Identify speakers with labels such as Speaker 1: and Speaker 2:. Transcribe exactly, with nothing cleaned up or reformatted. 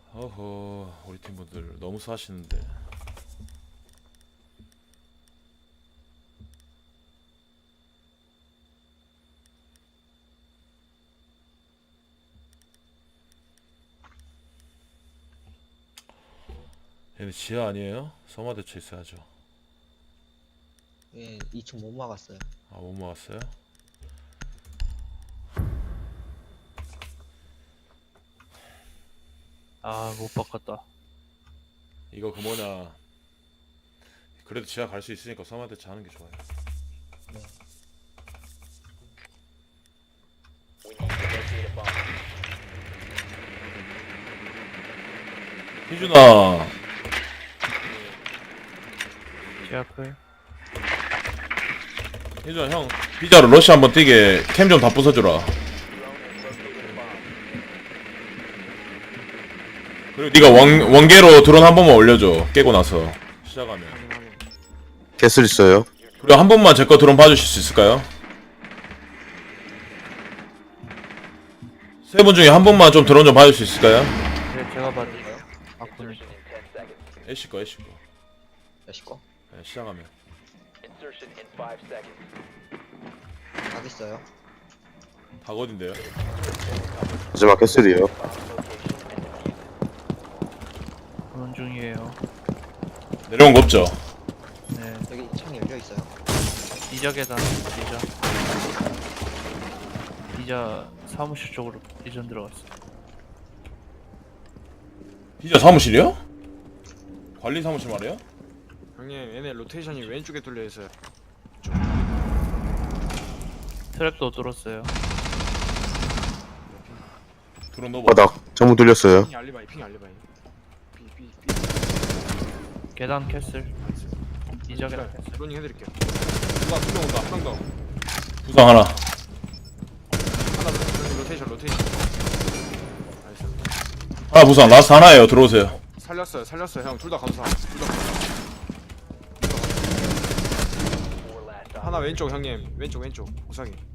Speaker 1: 어허, 우리 팀분들 너무 수하시는데. 얘네 지하 아니에요? 서마 대처 있어야죠.
Speaker 2: 예, 이 층 못 막았어요.
Speaker 1: 아, 못 막았어요?
Speaker 3: 아, 못 바꿨다.
Speaker 1: 이거 그 뭐냐, 그래도 지하 갈 수 있으니까 서마 대처 하는 게 좋아요.
Speaker 2: 네.
Speaker 1: 희준아,
Speaker 3: 제압을.
Speaker 1: 희준아 형 비자로 러시 한번 뛰게 캠 좀 다 부숴주라. 그리고 네가 원, 원계로 드론 한 번만 올려줘. 깨고 나서 시작하면.
Speaker 4: 캐슬 있어요.
Speaker 1: 그리고 한 번만 제 거 드론 봐주실 수 있을까요? 세 분 중에 한 번만 좀 드론 좀 봐줄 수 있을까요?
Speaker 3: 네, 제가 받을게요. 아군이.
Speaker 1: 애쉬 거 애쉬 거.
Speaker 2: 몇시 거?
Speaker 1: 네, 시작하면.
Speaker 2: 각 있어요.
Speaker 1: 다god인데요.
Speaker 4: 마지막 캐슬이에요.
Speaker 3: 보는 중이에요.
Speaker 1: 내려온 거 없죠?
Speaker 3: 네,
Speaker 2: 여기 창 열려 있어요.
Speaker 3: 이자 계단, 이자. 이자 사무실 쪽으로 이전 들어갔어.
Speaker 1: 비자 사무실이요? 관리 사무실 말이에요?
Speaker 5: 형님 얘네 로테이션이 왼쪽에 뚫려 있어요.
Speaker 3: 트랩도 뚫었어요.
Speaker 1: 드론 넣어봐.
Speaker 4: 바닥 전부 뚫렸어요.
Speaker 5: 핑 알리바이 핑 알리바이. 삐삐삐.
Speaker 3: 계단 캐슬. 이자 계단 캐슬.
Speaker 5: 드로닝 해드릴게요. 누가 두명 온다. 한 명 더.
Speaker 1: 부상 하나.
Speaker 5: 하나 더. 형님 로테이션 로테이션. 나이스.
Speaker 1: 하나 부상. 라스트 하나예요. 들어오세요.
Speaker 5: 살렸어요 살렸어요 형. 둘 다 감사. 둘 다 감사. 하나 왼쪽 형님. 왼쪽 왼쪽. 우상이.